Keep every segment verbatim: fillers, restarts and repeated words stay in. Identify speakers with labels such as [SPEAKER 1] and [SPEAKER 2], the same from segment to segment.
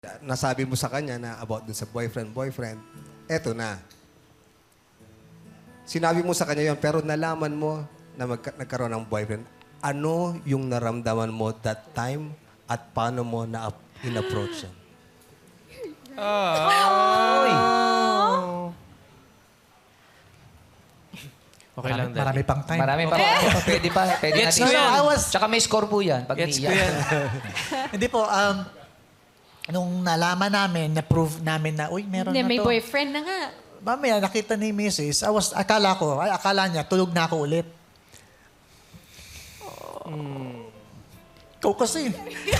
[SPEAKER 1] nasabi mo sa kanya na about dun sa boyfriend, boyfriend, eto na. Sinabi mo sa kanya yon pero nalaman mo na magka- nagkaroon ng boyfriend. Ano yung naramdaman mo that time at paano mo na in-approach yan?
[SPEAKER 2] Okay lang, Daddy.
[SPEAKER 3] Marami pang time.
[SPEAKER 4] Marami pa. Pwede pa. Pwede
[SPEAKER 2] Gets
[SPEAKER 4] natin.
[SPEAKER 2] ko yan.
[SPEAKER 3] I was-
[SPEAKER 4] Tsaka may score po yan. Pag
[SPEAKER 2] Gets ko
[SPEAKER 4] niiyak.
[SPEAKER 2] yan.
[SPEAKER 3] Hindi po, um, nung nalaman namin, na-prove namin na, uy, meron
[SPEAKER 5] Hindi,
[SPEAKER 3] na
[SPEAKER 5] may
[SPEAKER 3] to.
[SPEAKER 5] boyfriend na nga.
[SPEAKER 3] Mamaya, nakita ni missus, I was, akala ko, ay, akala niya, tulog na ako ulit.
[SPEAKER 2] Hmm.
[SPEAKER 3] Ikaw kasi.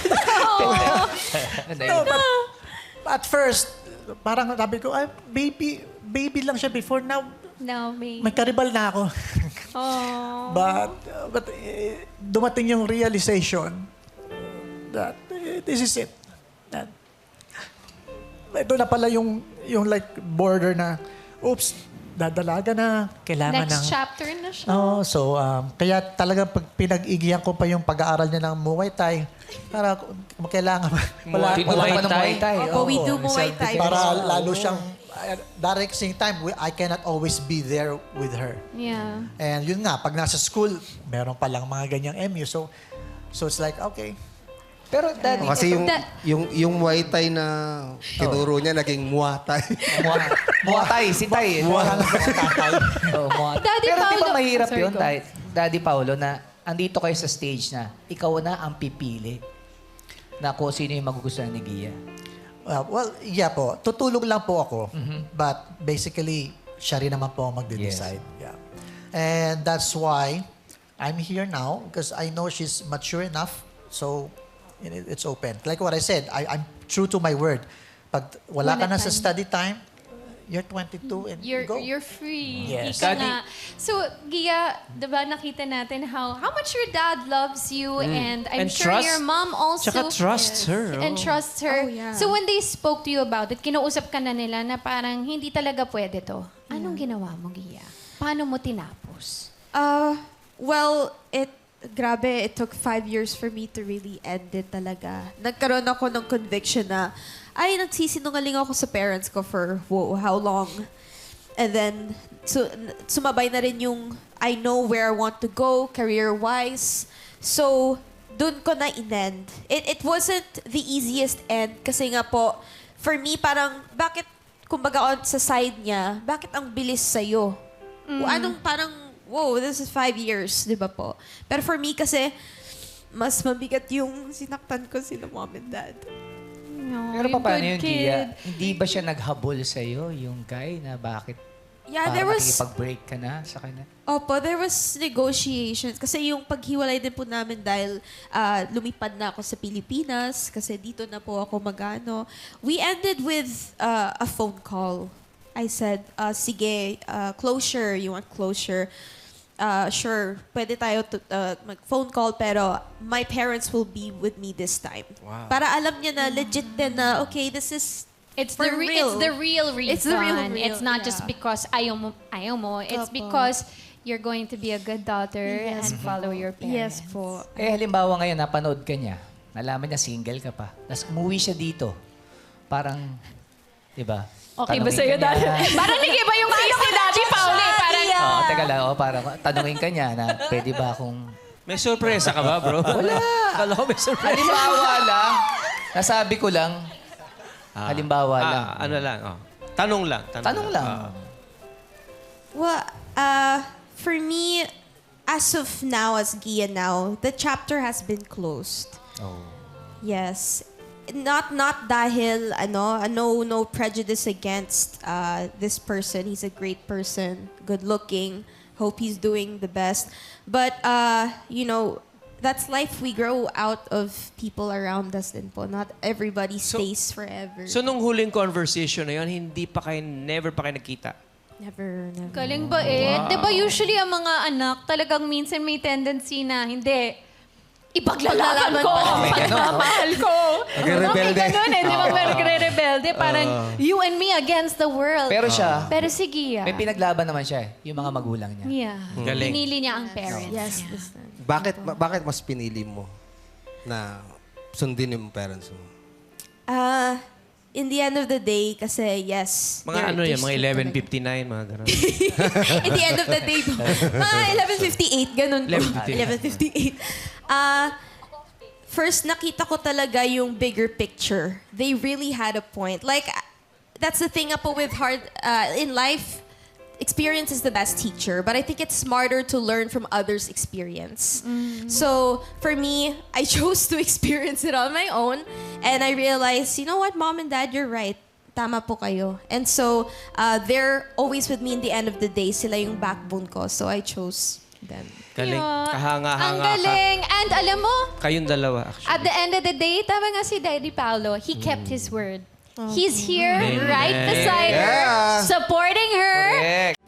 [SPEAKER 4] Ano
[SPEAKER 3] No,
[SPEAKER 4] yun?
[SPEAKER 3] but, at first, parang sabi ko, ay, baby, baby lang siya before. Now,
[SPEAKER 5] No, may...
[SPEAKER 3] may karibal na ako.
[SPEAKER 5] Oh.
[SPEAKER 3] But, uh, but eh, dumating yung realization that eh, this is it. That, ito na pala yung, yung like border na, oops, dadalaga na, kailangan ng...
[SPEAKER 5] Next chapter na siya.
[SPEAKER 3] Oo, so um, kaya talagang pag pinag-igihan ko pa yung pag-aaral niya ng Muay Thai, para kung kailangan, wala,
[SPEAKER 4] Tinuro
[SPEAKER 3] wala
[SPEAKER 4] pa ng Muay Thai.
[SPEAKER 6] Opo, we
[SPEAKER 3] Oo,
[SPEAKER 6] do Muay Thai.
[SPEAKER 3] para lalo siyang, uh, direct same time, we- I cannot always be there with her.
[SPEAKER 5] Yeah.
[SPEAKER 3] And yun nga, pag nasa school, meron palang mga ganyang M U. So, so it's like, okay.
[SPEAKER 4] Pero daddy,
[SPEAKER 1] Kasi yung,
[SPEAKER 5] Da-
[SPEAKER 1] yung, yung Muay Thai na tinuro niya, naging Muay Thai.
[SPEAKER 4] Mua- Muatay, si Tay.
[SPEAKER 3] Wala na sa tatay.
[SPEAKER 4] Oh, Muay-
[SPEAKER 5] Daddy
[SPEAKER 4] Pero di ba
[SPEAKER 5] Paolo-
[SPEAKER 4] mahirap
[SPEAKER 5] Sorry,
[SPEAKER 4] yun,
[SPEAKER 5] go.
[SPEAKER 4] Tay, Daddy Paolo, na andito kayo sa stage na ikaw na ang pipili na kung sino yung magugustuhan ni Gia.
[SPEAKER 3] Uh, well, yeah po. Tutulong lang po ako.
[SPEAKER 4] Mm-hmm.
[SPEAKER 3] But basically, siya rin naman po ang magde-decide. Yeah. And that's why I'm here now because I know she's mature enough. So, it- it's open. Like what I said, I, I'm true to my word. Pag wala ka
[SPEAKER 5] Wala
[SPEAKER 3] na sa
[SPEAKER 5] time.
[SPEAKER 3] study time, you're twenty-two and
[SPEAKER 5] You're,
[SPEAKER 3] go.
[SPEAKER 5] you're free.
[SPEAKER 3] Yes.
[SPEAKER 5] Ika
[SPEAKER 2] Daddy-
[SPEAKER 5] nga. So, Gia, di ba nakita natin how how much your dad loves you and I'm
[SPEAKER 2] And
[SPEAKER 5] sure
[SPEAKER 2] trust-
[SPEAKER 5] your mom also...
[SPEAKER 2] tsaka trusts her,
[SPEAKER 5] And
[SPEAKER 2] oh.
[SPEAKER 5] trusts her.
[SPEAKER 6] Oh, yeah.
[SPEAKER 5] So, when they spoke to you about it, kinausap ka na nila na parang hindi talaga pwede to. Anong ginawa mo, Gia? Paano mo tinapos?
[SPEAKER 6] Uh, well, it, grabe, it took five years for me to really end it talaga. Nagkaroon ako ng conviction na, ay, nagsisinungaling ako sa parents ko for whoa, how long? And then, so, sumabay na rin yung, I know where I want to go, career-wise. So, dun ko na in-end. It, it wasn't the easiest end kasi nga po, for me, parang, bakit, kumbaga on sa side niya, bakit ang bilis sa'yo? Anong parang, wow, this is five years, di ba po? Pero for me kasi, mas mabigat yung sinaktan ko sila mom and dad.
[SPEAKER 5] No,
[SPEAKER 4] Pero
[SPEAKER 5] yung
[SPEAKER 4] paano
[SPEAKER 5] good
[SPEAKER 4] yun,
[SPEAKER 5] kid.
[SPEAKER 4] Gia? Hindi ba siya naghabol sa'yo, yung guy, na bakit
[SPEAKER 6] Yeah,
[SPEAKER 4] para
[SPEAKER 6] there was,
[SPEAKER 4] makikipag-break ka na sa kanya?
[SPEAKER 6] opo, there was negotiations. Kasi yung paghiwalay din po namin dahil ah, lumipad na ako sa Pilipinas, kasi dito na po ako magano. We ended with ah, a phone call. I said, ah, sige, ah, closure, you want closure? Uh, sure, pwede tayo to, uh, mag-phone call pero my parents will be with me this time.
[SPEAKER 2] Wow.
[SPEAKER 6] Para alam niya na legit din na, okay, this is
[SPEAKER 5] It's
[SPEAKER 6] for
[SPEAKER 5] the re-
[SPEAKER 6] real.
[SPEAKER 5] it's the real reason.
[SPEAKER 6] It's the real, real,
[SPEAKER 5] It's not just
[SPEAKER 6] yeah.
[SPEAKER 5] because ayaw mo, ayaw mo. It's
[SPEAKER 6] Opo.
[SPEAKER 5] because you're going to be a good daughter
[SPEAKER 6] Yes
[SPEAKER 5] and follow your parents.
[SPEAKER 6] Yes po.
[SPEAKER 4] Eh, halimbawa ngayon, napanood ka niya, nalaman niya single ka pa, tapos umuwi siya dito, parang, di ba?
[SPEAKER 5] Okay ba
[SPEAKER 4] Tanungin
[SPEAKER 5] sa'yo,
[SPEAKER 4] ka niya.
[SPEAKER 5] Daddy? Parang nag-iba yung face ni Daddy Pauli. Parang,
[SPEAKER 4] Oo, teka lang, oh, parang tanungin ka niya na, pwede ba akong...
[SPEAKER 2] May sorpresa ka ba, bro? Wala. Kala ko may sorpresa.
[SPEAKER 4] Halimbawa lang, nasabi ko lang, halimbawa lang.
[SPEAKER 2] Ah, ano lang, oh. Tanong lang. Tanong,
[SPEAKER 4] Tanong lang.
[SPEAKER 2] Ah.
[SPEAKER 6] Well, uh, for me, as of now, as Gia now, the chapter has been closed.
[SPEAKER 4] Oh.
[SPEAKER 6] Yes. Not not dahil ano, uh, no no prejudice against uh, this person. He's a great person, good looking. Hope he's doing the best. But uh, you know, that's life. We grow out of people around us din po. Not everybody
[SPEAKER 2] So-
[SPEAKER 6] stays forever.
[SPEAKER 2] So, nung huling conversation na yun, hindi pa kayo, never pa kayo nagkita?
[SPEAKER 6] never, never.
[SPEAKER 5] galing ba eh? Di ba usually ang mga anak talagang minsan may tendency na, hindi, ipaglalaban ko ang pagmamahal ko.
[SPEAKER 1] Nagre-rebelde.
[SPEAKER 5] Okay, ganun eh. Di ba nagre-rebelde? Parang you and me against the world.
[SPEAKER 4] Pero siya,
[SPEAKER 5] Pero sige, ah.
[SPEAKER 4] may pinaglaban naman siya, eh, yung mga magulang niya.
[SPEAKER 5] Yeah.
[SPEAKER 2] Galing.
[SPEAKER 5] Pinili niya ang parents.
[SPEAKER 6] Yes,
[SPEAKER 5] niya.
[SPEAKER 6] this time.
[SPEAKER 1] Bakit, ba- bakit mas pinili mo na sundin yung parents mo?
[SPEAKER 6] Ah, in the end of the day, kasi yes.
[SPEAKER 2] Mga
[SPEAKER 6] they're-
[SPEAKER 2] ano
[SPEAKER 6] they're
[SPEAKER 2] yan, mga
[SPEAKER 6] strict
[SPEAKER 2] eleven
[SPEAKER 6] talaga.
[SPEAKER 2] fifty-nine, mga gano'n.
[SPEAKER 6] In the end of the day po. Mga eleven fifty-eight, ganun po.
[SPEAKER 2] eleven fifty-eight.
[SPEAKER 6] eleven fifty-eight. Ah, first, nakita ko talaga yung bigger picture. They really had a point. Like, that's the thing po with hard, uh, in life, experience is the best teacher, but I think it's smarter to learn from others' experience. So, for me, I chose to experience it on my own, and I realized, you know what, Mom and Dad, you're right. Tama po kayo. And so, uh, they're always with me in the end of the day. Sila yung backbone ko, so I chose them.
[SPEAKER 2] Galing.
[SPEAKER 5] Yun.
[SPEAKER 2] Kahanga-hanga
[SPEAKER 5] Ang
[SPEAKER 2] ka.
[SPEAKER 5] galing. And alam mo,
[SPEAKER 2] Kayong dalawa, actually.
[SPEAKER 5] at the end of the day, tama nga si Daddy Paolo, he kept his word. He's here,
[SPEAKER 2] Amen.
[SPEAKER 5] right beside her,
[SPEAKER 1] Yeah.
[SPEAKER 5] supporting her.
[SPEAKER 2] Correct.